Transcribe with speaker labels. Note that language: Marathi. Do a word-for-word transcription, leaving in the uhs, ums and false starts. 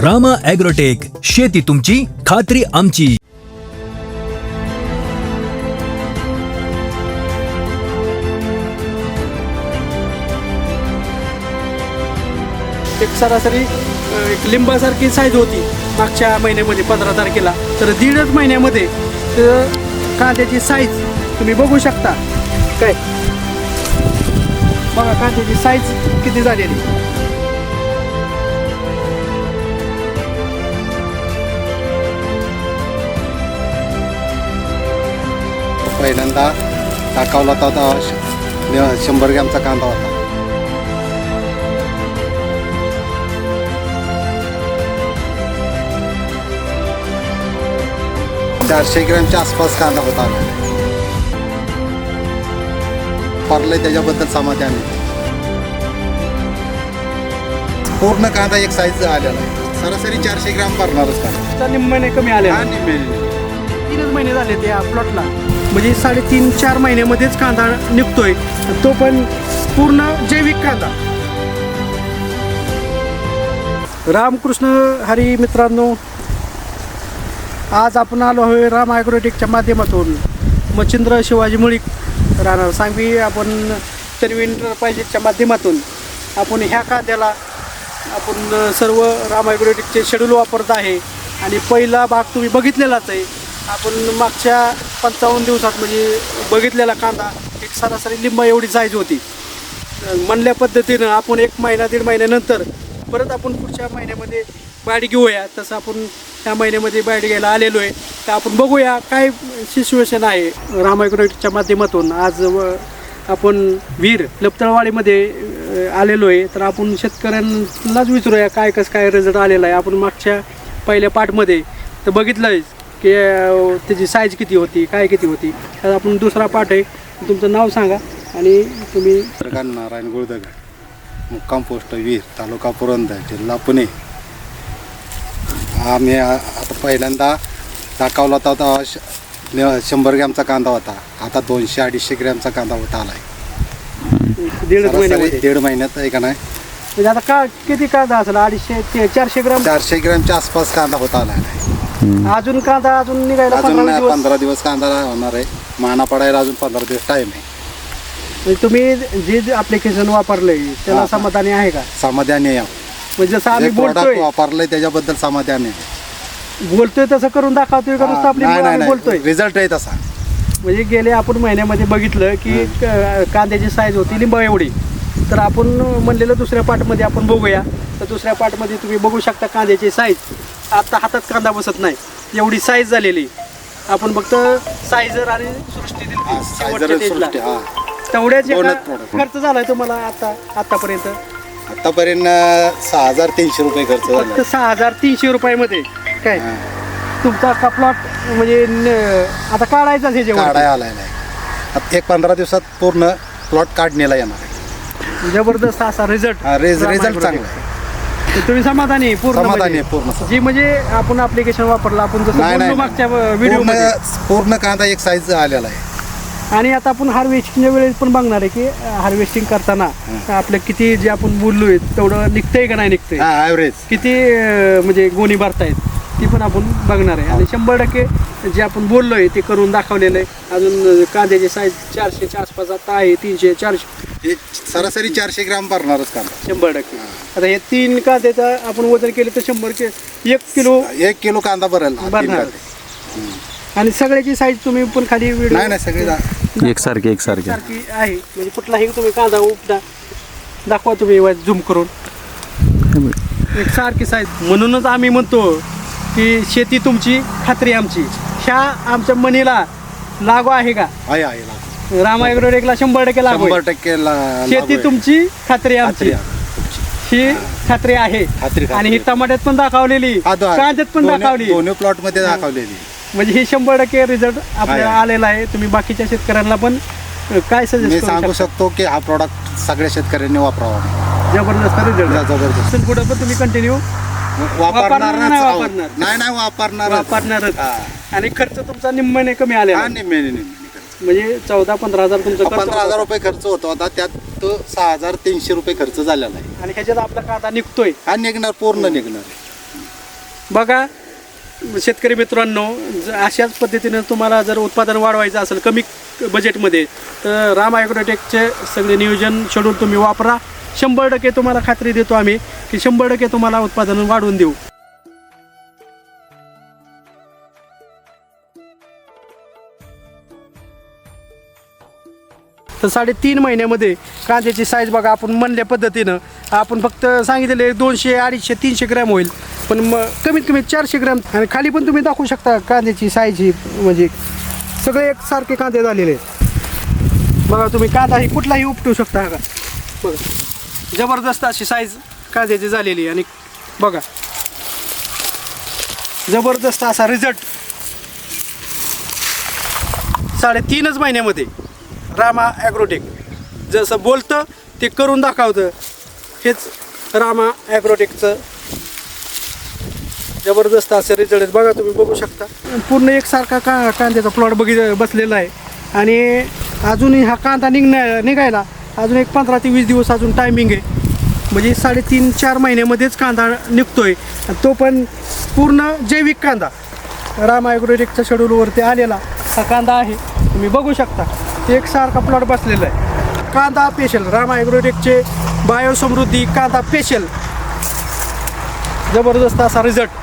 Speaker 1: रामा ॲग्रोटेक, शेती तुमची खात्री आमची.
Speaker 2: एक सरासरी एक लिंबासारखी साईज होती मागच्या महिन्यामध्ये पंधरा तारखेला, तर दीडच महिन्यामध्ये तर कांद्याची साईज तुम्ही बघू शकता. काय बघा कांद्याची साईज किती झालेली.
Speaker 3: पहिल्यांदा टाकावला होता शंभर ग्रॅमचा कांदा होता. चारशे ग्रॅमच्या आसपास कांदा होता. परले त्याच्याबद्दल समाधान आहे. पूर्ण कांदा एक साईज आलेला आहे. सरासरी चारशे ग्रॅम भरणारच कांदा.
Speaker 2: निम्म्याने कमी आले. तीनच महिने झाले त्या प्लॉटला, म्हणजे साडेतीन चार महिन्यामध्येच कांदा निघतोय, तो पण पूर्ण जैविक कांदा. रामकृष्ण हरी मित्रांनो, आज आपण आलो आहे राम ॲग्रोटेकच्या माध्यमातून. मच्छिंद्र शिवाजी मुळीक राहणार सांगवी, आपण तन्वीन पाहिजेच्या माध्यमातून आपण ह्या कांद्याला आपण सर्व राम ॲग्रोटेकचे शेड्यूल वापरत आहे. आणि पहिला भाग तुम्ही बघितलेलाच आहे. आपण मागच्या पंचावन्न दिवसात म्हणजे बघितलेला कांदा एक सरासरी लिंबा एवढी साईज होती. म्हणल्या पद्धतीनं आपण एक महिना दीड महिन्यानंतर परत आपण पुढच्या महिन्यामध्ये बाईट घेऊया. तसं आपण ह्या महिन्यामध्ये बाईट घ्यायला आलेलो आहे. तर आपण बघूया काय सिच्युएशन आहे राम ॲग्रोटेकच्या माध्यमातून. आज आपण वीर लपतळवाडीमध्ये आलेलो आहे. तर आपण शेतकऱ्यांनाच विचारूया काय कसं काय रिझल्ट आलेला आहे. आपण मागच्या पहिल्या पार्टमध्ये तर बघितलं आहे की त्याची साईज किती होती, काय किती होती. तर आपण दुसरा पार्ट आहे. तुमचं नाव सांगा आणि तुम्ही.
Speaker 3: नारायण गुळदगड, मुक्काम पोस्ट वीर, तालुका पुरंदर, जिल्हा पुणे. आम्ही आता पहिल्यांदा टाकावला होता शंभर ग्रॅमचा कांदा होता. आता दोनशे अडीचशे ग्रॅमचा कांदा होता आला आहे.
Speaker 2: दीड महिन्यामध्ये
Speaker 3: दीड महिन्यात आहे का नाही.
Speaker 2: म्हणजे आता का किती कांदा असेल, अडीचशे चारशे ग्राम
Speaker 3: चारशे ग्रॅमच्या आसपास कांदा होता आला आहे.
Speaker 2: अजून कांदा अजून निघायला
Speaker 3: अजून
Speaker 2: पंधरा दिवस
Speaker 3: पंधरा दिवस कांदा होणार आहे. माना पडायला अजून पंधरा दिवस टाईम आहे.
Speaker 2: म्हणजे तुम्ही जे ॲप्लिकेशन वापरलंय त्याला समाधानी आहे का?
Speaker 3: समाधानी आहे.
Speaker 2: म्हणजे जसं आम्ही बोलतोय
Speaker 3: वापरलंय त्याच्याबद्दल समाधानी आहे.
Speaker 2: बोलतोय तसं करून दाखवतोय का नुसतं आपली बोलतोय?
Speaker 3: रिझल्ट आहे तसा.
Speaker 2: म्हणजे गेले आपण महिन्यामध्ये बघितलं की कांद्याची साईज होती लिंबा एवढी. तर आपण म्हणलेलं दुसऱ्या पार्टमध्ये आपण बघूया. तर दुसऱ्या पार्टमध्ये तुम्ही बघू शकता कांद्याची साईज. आता हातात कांदा बसत नाही एवढी साईज झालेली. आपण फक्त सायझर आणि सृष्टी दिली तेवढ्याच खर्च झालाय तुम्हाला आता आतापर्यंत.
Speaker 3: आतापर्यंत सहा हजार तीनशे रुपये खर्च
Speaker 2: फक्त
Speaker 3: झाला.
Speaker 2: सहा हजार तीनशे रुपयामध्ये काय तुमचा का प्लॉट म्हणजे आता काढायचाच हे जेवढा
Speaker 3: काढाय आलाय नाही. एक पंधरा दिवसात पूर्ण प्लॉट काढण्याला येणार आहे.
Speaker 2: जबरदस्त असा रिझल्ट.
Speaker 3: रिझल्ट चांगला आहे.
Speaker 2: तुम्ही समाधानी पूर्ण
Speaker 3: समाधानी आहे पूर्ण.
Speaker 2: जी म्हणजे आपण ॲप्लिकेशन वापरलं आपण जसं बोललो मागच्या व्हिडिओमध्ये
Speaker 3: पूर्ण कांदा एक साईज आलेला आहे.
Speaker 2: आणि आता आपण हार्वेस्टिंगच्या वेळेस पण बघणार आहे की हार्वेस्टिंग करताना आपलं किती जे आपण बोललोय तेवढं निघतंय का नाही निघतंय,
Speaker 3: ॲव्हरेज
Speaker 2: किती म्हणजे गोणी भरतायत ती पण आपण बघणार आहे. आणि शंभर टक्के जे आपण बोललोय ते करून दाखवलेलं आहे. अजून कांद्याची साईज चारशेच्या आसपास आता आहे. तीनशे चारशे
Speaker 3: सरासरी चारशे ग्राम भरणारच कांदा
Speaker 2: शंभर टक्के. आता हे तीन कांद्याचं आपण वजन केलं तर शंभर के एक किलो
Speaker 3: एक किलो कांदा भरेल
Speaker 2: भरणार. आणि सगळ्याची साईज तुम्ही पण खाली व्हिडिओ
Speaker 3: नाही नाही सगळी
Speaker 4: एकसारखी एकसारखी
Speaker 2: सारखी आहे. म्हणजे कुठलाही तुम्ही कांदा उपदा दाखवा तुम्ही झूम करून एक सारखी साईज. म्हणूनच आम्ही म्हणतो की शेती तुमची खात्री आमची. ह्या आमच्या मनीला लागू आहे का?
Speaker 3: आहे आहे
Speaker 2: राम ॲग्रोटेकला शंभर टक्के लागू
Speaker 3: शंभर
Speaker 2: आहे.
Speaker 3: टक्के
Speaker 2: शेती तुमची खात्री आमची ही खात्री आहे.
Speaker 3: खात्री
Speaker 2: आणि ही टमाट्यात पण दाखवलेली, कांद्यात पण दाखवली,
Speaker 3: दोन्ही प्लॉट मध्ये दाखवलेली.
Speaker 2: म्हणजे हे शंभर टक्के रिझल्ट आपल्याला आलेला आहे. तुम्ही बाकीच्या शेतकऱ्यांना पण काय सजेस्ट
Speaker 3: मी सांगू शकतो की हा प्रॉडक्ट सगळ्या शेतकऱ्यांनी वापरावा.
Speaker 2: जबरदस्त रिझल्ट.
Speaker 3: जबरदस्त.
Speaker 2: पुढे पण तुम्ही कंटिन्यू
Speaker 3: वापरणार
Speaker 2: नाही वापरणार
Speaker 3: नाही नाही वापरणार
Speaker 2: वापरणारच. आणि खर्च तुमचा निम्म्याने कमी आलेला म्हणजे चौदा पंधरा हजार तुमचा
Speaker 3: पंधरा हजार रुपये खर्च होतो. आता त्यात तो सहा हजार तीनशे रुपये खर्च झालेला आहे.
Speaker 2: आणि ह्याच्यात आपला कांदा निघतोय
Speaker 3: हा निघणार पूर्ण निघणार.
Speaker 2: बघा शेतकरी मित्रांनो, ज अशाच पद्धतीनं तुम्हाला जर उत्पादन वाढवायचं असेल कमी बजेटमध्ये, तर राम ॲग्रोटेकचे सगळे नियोजन शेड्यूल तुम्ही वापरा. शंभर टक्के तुम्हाला खात्री देतो आम्ही की शंभर टक्के तुम्हाला उत्पादन वाढवून देऊ. तर साडेतीन महिन्यामध्ये कांद्याची साईज बघा, आपण म्हणल्या पद्धतीनं आपण फक्त सांगितलेले दोनशे अडीचशे तीनशे ग्रॅम होईल, पण मग कमीत कमी चारशे ग्रॅम. आणि खाली पण तुम्ही दाखवू शकता कांद्याची साईज ही, म्हणजे सगळे एकसारखे कांदे झालेले आहेत. बघा तुम्ही कांदा ही कुठलाही उपटू शकता. का बघा जबरदस्त अशी साईज कांद्याची झालेली. आणि बघा जबरदस्त असा रिझल्ट साडेतीनच महिन्यामध्ये. रामा ॲग्रोटेक जसं बोलतं ते करून दाखवतं, हेच रामा ॲग्रोटेकचं जबरदस्त असं रिझल्ट. बघा तुम्ही बघू शकता पूर्ण एकसारखा का कांद्याचा प्लॉट बघित बसलेला आहे. आणि अजूनही हा कांदा निघण्या निघायला अजून एक पंधरा ते वीस दिवस अजून टायमिंग आहे. म्हणजे साडेतीन चार महिन्यामध्येच कांदा निघतो आहे. तो पण पूर्ण जैविक कांदा राम ॲग्रोटेकच्या शेड्यूलवरती आलेला हा कांदा आहे. तुम्ही बघू शकता एकसारखा प्लॉट बसलेला आहे. कांदा पेशल राम ॲग्रोटेकचे बायोसमृद्धी कांदा पेशल, जबरदस्त असा रिझल्ट.